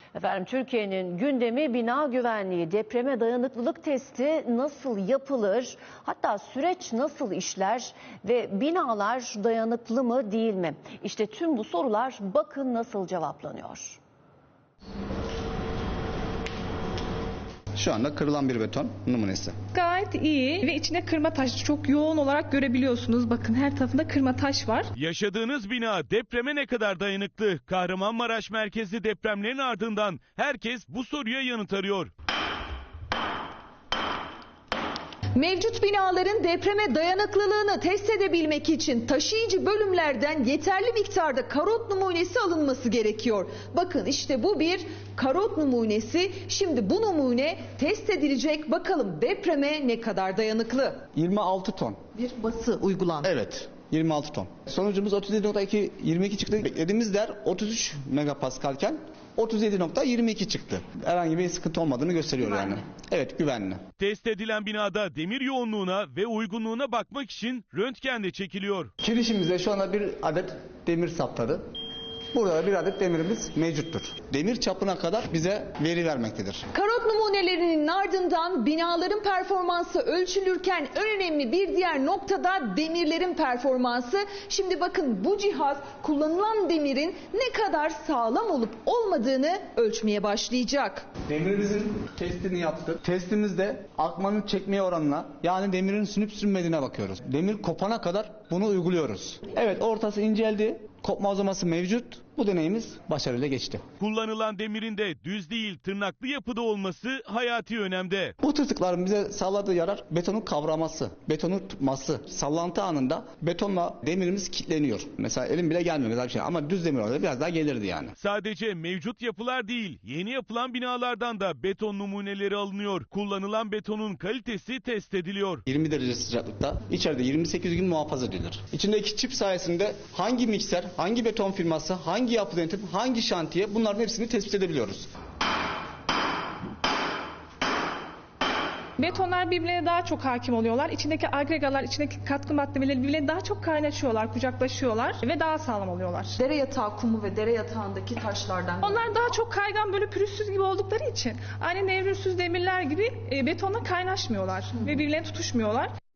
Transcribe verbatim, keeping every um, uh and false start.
Efendim, Türkiye'nin gündemi bina güvenliği, depreme dayanıklılık testi nasıl yapılır? Hatta süreç nasıl işler ve binalar dayanıklı mı değil mi? İşte tüm bu sorular bakın nasıl cevaplanıyor. Şu anda kırılan bir beton numunesi. Gayet iyi ve içinde kırma taş çok yoğun olarak görebiliyorsunuz. Bakın her tarafında kırma taş var. Yaşadığınız bina depreme ne kadar dayanıklı? Kahramanmaraş merkezli depremlerin ardından herkes bu soruya yanıt arıyor. Mevcut binaların depreme dayanıklılığını test edebilmek için taşıyıcı bölümlerden yeterli miktarda karot numunesi alınması gerekiyor. Bakın işte bu bir karot numunesi. Şimdi bu numune test edilecek. Bakalım depreme ne kadar dayanıklı? yirmi altı ton. Bir bası uygulandı. Evet. yirmi altı ton. Sonucumuz otuz yedi nokta iki yirmi iki çıktı. Beklediğimiz değer otuz üç megapaskalken otuz yedi nokta yirmi iki çıktı. Herhangi bir sıkıntı olmadığını gösteriyor güvenli. Yani. Evet, güvenli. Test edilen binada demir yoğunluğuna ve uygunluğuna bakmak için röntgen de çekiliyor. Kirişimizde şu anda bir adet demir saptadı. Burada bir adet demirimiz mevcuttur. Demir çapına kadar bize veri vermektedir. Karot numunelerinin ardından binaların performansı ölçülürken en önemli bir diğer noktada demirlerin performansı. Şimdi bakın bu cihaz kullanılan demirin ne kadar sağlam olup olmadığını ölçmeye başlayacak. Demirimizin testini yaptık. Testimizde akmanın çekmeye oranına, yani demirin sünüp sünmediğine bakıyoruz. Demir kopana kadar bunu uyguluyoruz. Evet, ortası inceldi. Kopma uzaması mevcut. Bu deneyimiz başarıyla geçti. Kullanılan demirin de düz değil tırnaklı yapıda olması hayati önemde. Bu tırtıkların bize sağladığı yarar betonun kavraması, betonun tutması. Sallantı anında betonla demirimiz kilitleniyor. Mesela elim bile gelmiyor mesela bir şey, ama düz demir olsaydı biraz daha gelirdi yani. Sadece mevcut yapılar değil, yeni yapılan binalardan da beton numuneleri alınıyor. Kullanılan betonun kalitesi test ediliyor. yirmi derece sıcaklıkta içeride yirmi sekiz gün muhafaza edilir. İçindeki çip sayesinde hangi mikser, hangi beton firması, hangi yapı denetim, hangi şantiye, bunların hepsini tespit edebiliyoruz. Betonlar birbirine daha çok hakim oluyorlar. İçindeki agregalar, içindeki katkı maddeleri birbirine daha çok kaynaşıyorlar, kucaklaşıyorlar ve daha sağlam oluyorlar. Dere yatağı kumu ve dere yatağındaki taşlardan. Onlar daha çok kaygan, böyle pürüzsüz gibi oldukları için aynı nevrilsiz demirler gibi e, betonla kaynaşmıyorlar ve birbirlerine tutuşmuyorlar.